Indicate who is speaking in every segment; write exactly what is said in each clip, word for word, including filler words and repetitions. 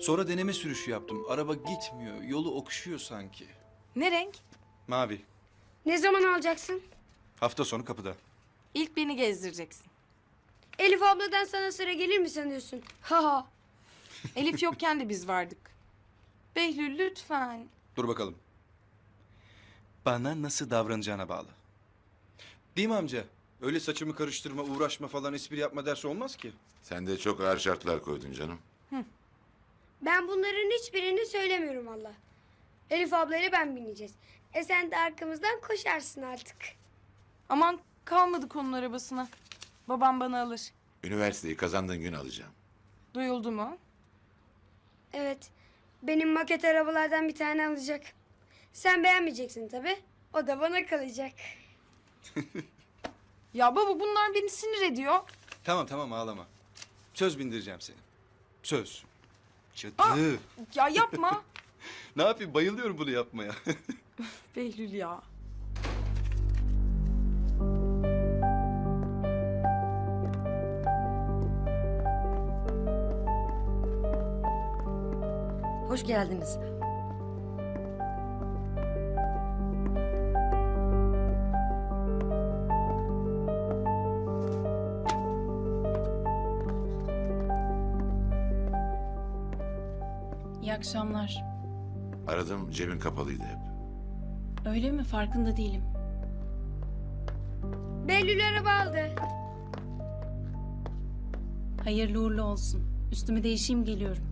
Speaker 1: Sonra deneme sürüşü yaptım. Araba gitmiyor. Yolu okşuyor sanki.
Speaker 2: Ne renk?
Speaker 1: Mavi.
Speaker 3: Ne zaman alacaksın?
Speaker 1: Hafta sonu kapıda.
Speaker 2: İlk beni gezdireceksin.
Speaker 3: Elif abladan sana sıra gelir mi sanıyorsun? Ha ha.
Speaker 2: Elif yokken de biz vardık. Behlül lütfen.
Speaker 1: Dur bakalım. Bana nasıl davranacağına bağlı. Değil mi amca? Öyle saçımı karıştırma, uğraşma falan, espri yapma dersi olmaz ki.
Speaker 4: Sen de çok ağır şartlar koydun canım.
Speaker 3: Ben bunların hiçbirini söylemiyorum valla. Elif ablayla ben bineceğiz. E sen de arkamızdan koşarsın artık.
Speaker 2: Aman kalmadık onun arabasına. Babam bana alır.
Speaker 4: Üniversiteyi kazandığın gün alacağım.
Speaker 2: Duyuldu mu?
Speaker 3: Evet. Benim maket arabalardan bir tane alacak. Sen beğenmeyeceksin tabii. O da bana kalacak.
Speaker 2: Ya baba bunlar beni sinir ediyor.
Speaker 1: Tamam tamam ağlama. Söz bindireceğim seni. Söz. Cadı.
Speaker 2: Aa! Ya yapma.
Speaker 1: Ne yapayım, bayılıyorum bunu yapmaya.
Speaker 2: Behlül ya.
Speaker 5: Hoş geldiniz.
Speaker 6: İyi akşamlar.
Speaker 4: Aradım, cebin kapalıydı hep.
Speaker 6: Öyle mi? Farkında değilim.
Speaker 3: Behlül araba aldı.
Speaker 6: Hayırlı uğurlu olsun. Üstümü değişeyim, geliyorum.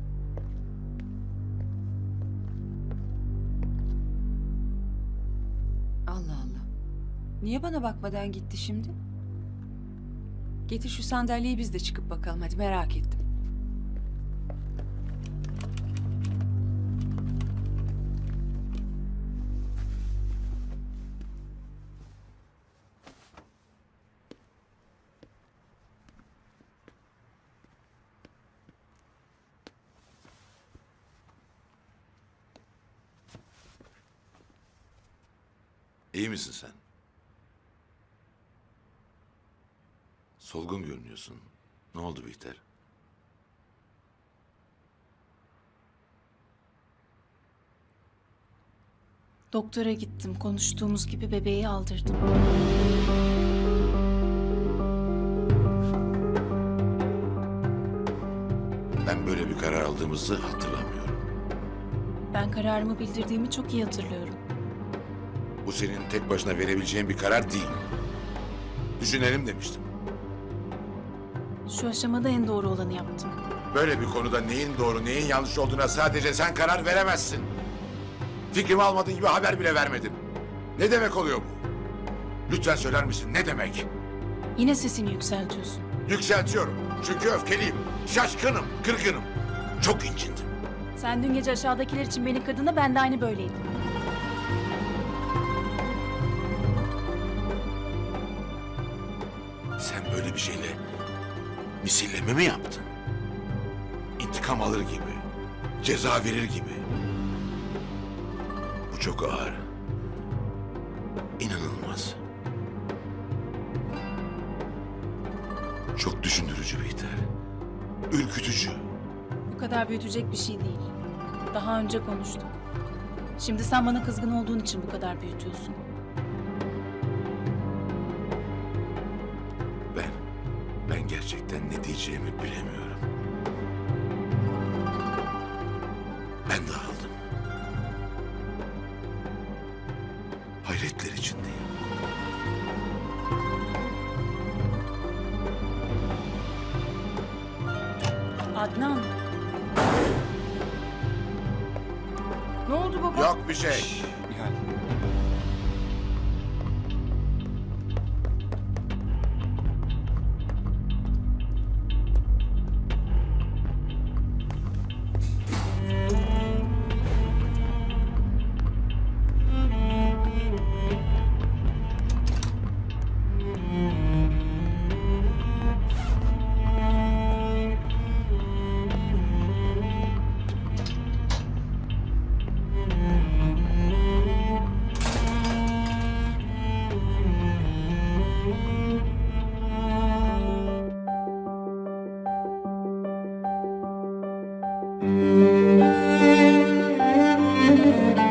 Speaker 5: Allah Allah. Niye bana bakmadan gitti şimdi? Getir şu sandalyeyi biz de çıkıp bakalım hadi, merak ettim.
Speaker 4: İyi misin sen? Solgun görünüyorsun. Ne oldu Bihter?
Speaker 6: Doktora gittim. Konuştuğumuz gibi bebeği aldırdım.
Speaker 4: Ben böyle bir karar aldığımızı hatırlamıyorum.
Speaker 6: Ben kararımı bildirdiğimi çok iyi hatırlıyorum.
Speaker 4: Bu senin tek başına verebileceğin bir karar değil. Düşünelim demiştim.
Speaker 6: Şu aşamada en doğru olanı yaptım.
Speaker 4: Böyle bir konuda neyin doğru, neyin yanlış olduğuna sadece sen karar veremezsin. Fikrimi almadığın gibi haber bile vermedin. Ne demek oluyor bu? Lütfen söyler misin, ne demek?
Speaker 6: Yine sesini yükseltiyorsun.
Speaker 4: Yükseltiyorum. Çünkü öfkeliyim, şaşkınım, kırgınım. Çok incindim.
Speaker 6: Sen dün gece aşağıdakiler için beni kırdığında ben de aynı böyleydim.
Speaker 4: Sen böyle bir şeyle misilleme mi yaptın? İntikam alır gibi, ceza verir gibi. Bu çok ağır. İnanılmaz. Çok düşündürücü Bihter. Ürkütücü.
Speaker 6: Bu kadar büyütecek bir şey değil. Daha önce konuştuk. Şimdi sen bana kızgın olduğun için bu kadar büyütüyorsun.
Speaker 4: Ben, ben gerçekten ne diyeceğimi bilemiyorum. Ben de aldım. Hayretler içindeyim.
Speaker 6: Adnan,
Speaker 2: Ne oldu baba?
Speaker 4: Yok bir şey.
Speaker 1: Nihal.
Speaker 3: Müzik Müzik